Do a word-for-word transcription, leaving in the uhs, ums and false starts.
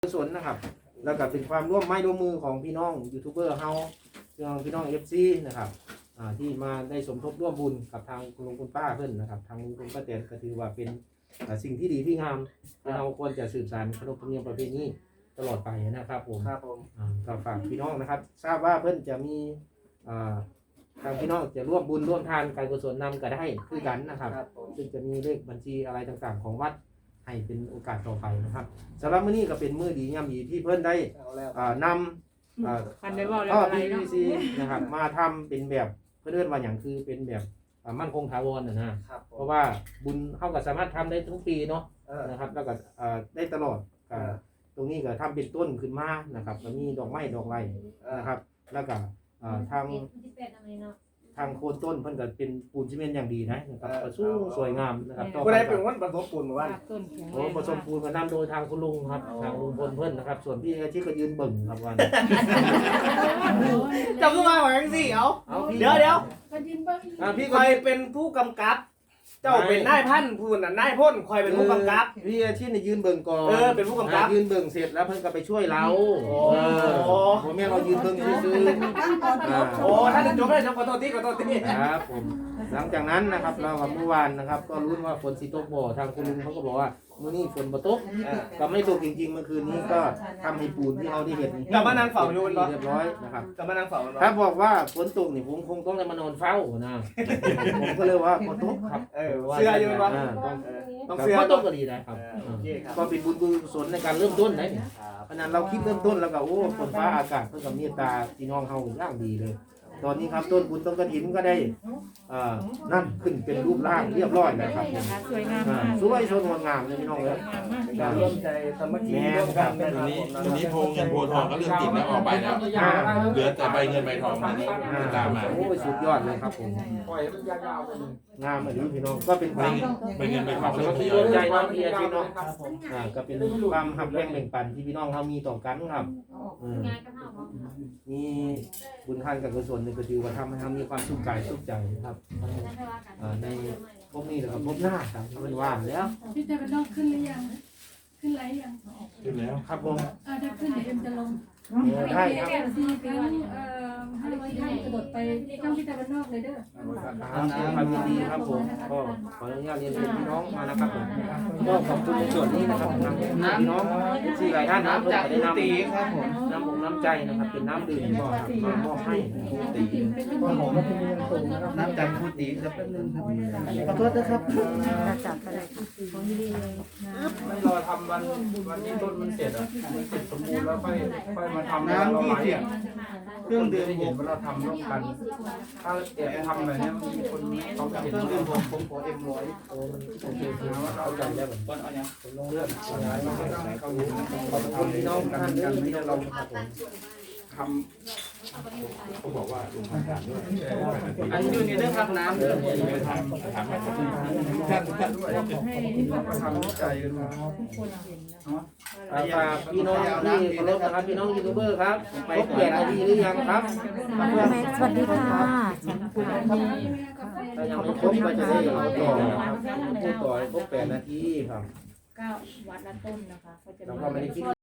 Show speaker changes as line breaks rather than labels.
กุศลนะครับแล้วก็เป็นความร่วมไม้ร่วมมือของพี่น้องยูทูบเบอร์เฮาพี่น้องพี่น้องเอฟซีนะครับที่มาได้สมทบร่วมบุญกับทางคุณลุงคุณป้าเพื่อนนะครับทางลุงคุณป้าแตนก็ถือว่าเป็นสิ่งที่ดีที่งามเราควรจะสืบสานขนบธรรมเนียมประเพณีตลอดไปนะครับผม
ครับผม
ก็ฝากพี่น้องนะครับทราบว่าเพื่อนจะมีทางพี่น้องจะร่วมบุญร่วมทานการกุศลนำก็ได้คือกันนะครับซึ่งจะมีเลขบัญชีอะไรต่างๆของวัดให้เป็นโอกาสต่อไปนะครับสำหรับมื้อนี้ก็เป็นมื้อดียามดีที่เพิ่นได้นำท่อ พี วี ซี นะครับมาทำเป็นแบบเพื่อนว่าอย่างคือเป็นแบบมั่นคงถาวรนะนะเพราะว่าบุญเข้ากับสามารถทำได้ทุกปีเนาะนะครับแล้วก็ได้ตลอดตรงนี้ก็ทำเป็นต้นขึ้นมานะครับแล้วมีดอกไม้ดอกไม้นะครับแล้วก็ทางทางโคนต้นเพิ่นก็เป็นปูนซีเมนต์อย่างดีนะครับก็สูงสวยงามนะครับต่อไป
ผู้ใดเป็นคนผสมปูนมาว่า
โอ้ผสมปูนมานำโดยทางคุณลุงครับทางลุงพลเพิ่นนะครับส่วนพี่อาชีพก็ยืนเบิ่งครับวัน
จำขึ้นมาหวังสิเอาเดี๋ยวเดี๋ยวพี่คอยเป็นผู้กำกับเจ้าเป็นนายพันผู้น่ะนายพ่นคอยเป็นผู้กำกับ
พี่อาชีพเนี่ยยืนเบิ่งก่อน
เออเป็นผู้กำกับ
ยืนเบิ่งเสร็จแล้วเพิ่นก็ไปช่วยเรา
โอ้โห
ผมแม่เรายืนเบิ่งซื่อ
โอ้ท่านจบได้จบขอโทษทีขอโทษที
ครับผมหลังจากนั้นนะครับเราเมื่อวานนะครับก็รู้ว่าฝนสิตกบ่ทางคุณลุงเขาก็บอกว่ามื้อนี้ฝนบ่ตกก็ไม่ตกจริงๆเมื่อคืนนี้ก็ทำให้ปูนที่เราได้เห็น
กลับมานั่งเฝ้าอยู่เ
รียบร้อยนะครับ
กลับมานั่งเฝ้า
ถ้าบอกว่าฝนตกนี่ผมคงต้องได้มานอนเฝ้านะผมก็เลยว่าฝนตกครับ
เออเสื้ออยู่ป่ะ
ต้องเสื้อฝนตกก็ดีนะครับก็เป็นบุญกุศลในการเริ่มต้นนะเนี่ยเพราะนั้นเราคิดเริ่มต้นแล้วก็โอ้ฝนฟ้าอากาศเพื่อกับเมตตาพี่น้องเฮาอย่างดีเลยตอนนี้ครับต้นบุญต้นกระถินก็ได้นั่นขึ้นเป็นรูปร่างเรียบร้อยแล้วครับ
สวยงาม
สวยสดงดงามเลยพี่น้องเลย
การร่วมใจสมัคคีร่วมกัน
วันนี้วันนี้โพเงินโพทองก็เรื่องติดแล้วออกไปแล้วเหลือแต่ใบเงินใบทองนี่ตามมา
โอ้สุดยอดเลยครับผมงามเลยพี่น้องก็เป็นความ
ใบเงินใบทอง
สมัคคีร่วมใจน้องพี่พี่น้องก็เป็นความหักแรงแบ่งปันที่พี่น้องเขามีต่อกันครับมีบุญทานกับกุศลในก็ถือว่าทำให้ทำมีความสุขกายสุขใจครับในพวกนี้นะครับพบหน้าครับมันว่างแล้ว
พี่จะเป็นน้องขึ้นหรือยังขึ้นไรยัง
ขึ้นแล้ว
ครับผม
ถ้าขึ้นเดี๋ยวเอ็มจะลง
ได้ครับ
สี่ครั้งเอ่อให้ท่านกระโดดไปช่องพี่จะเป็นนอกเลยเด้อ
ความยินดีครับผมก็ขออนุญาตเรียนเชิญพี่น้องมานะครับผมก็ขอบคุณในส่วนนี้นะครับทางพี่น้องที่หลายท่านนะผมได้นำครับผมน้ำผมน้ำใจนะครับเป็นน้ำดื่มก็มามอบให้ตีน้ำใจพูดตีจะเป็นหนึ่งขอโทษนะครับ
จับไปเลยของดีเลย
ไม่รอทำวันวันที่ต้นมันเสร็จอ่ะมันเสร็จสมบูรณ์แล้วค่อยค่อยมาทำ
น้ำที่เสียเครื่องดื่ม
เห็นว่าเราทำร่วมกันถ้าแอบทำอะไรเนี่ยมีคนเขาเห็น
เครื่องดื่มผมผมขอเอ็มร้อยโอ้มันโอเคคือว่าเราใจได้แบบต้นเอาเนี่ยผมลงเลือดย้ายมาให้เขาดูขอบคุณพี่น้องท่านที่ที่เราครับผม
ทำ
เขาบอกว่าลุงทำการด้วย
อันนี้อยู่ในเรื่องรับน้ำเรื่อง
ไปทำทำให้ทุกท่านทุกท่านด้วย
มาทำใจกันมา
ฝากพี่น้องที่เคารพนะครับพี่น้องยูทูบเบอร์ครับไปแปดนาทีหรือยังครับ
สวัสดีค่ะ
ถ้ายังไม่ครบก็จะได้ต่อครับพูดต่อครบแปดนาทีครับ
เก้าวัดละต้นนะคะก็จะ
เราไม่ได้คิด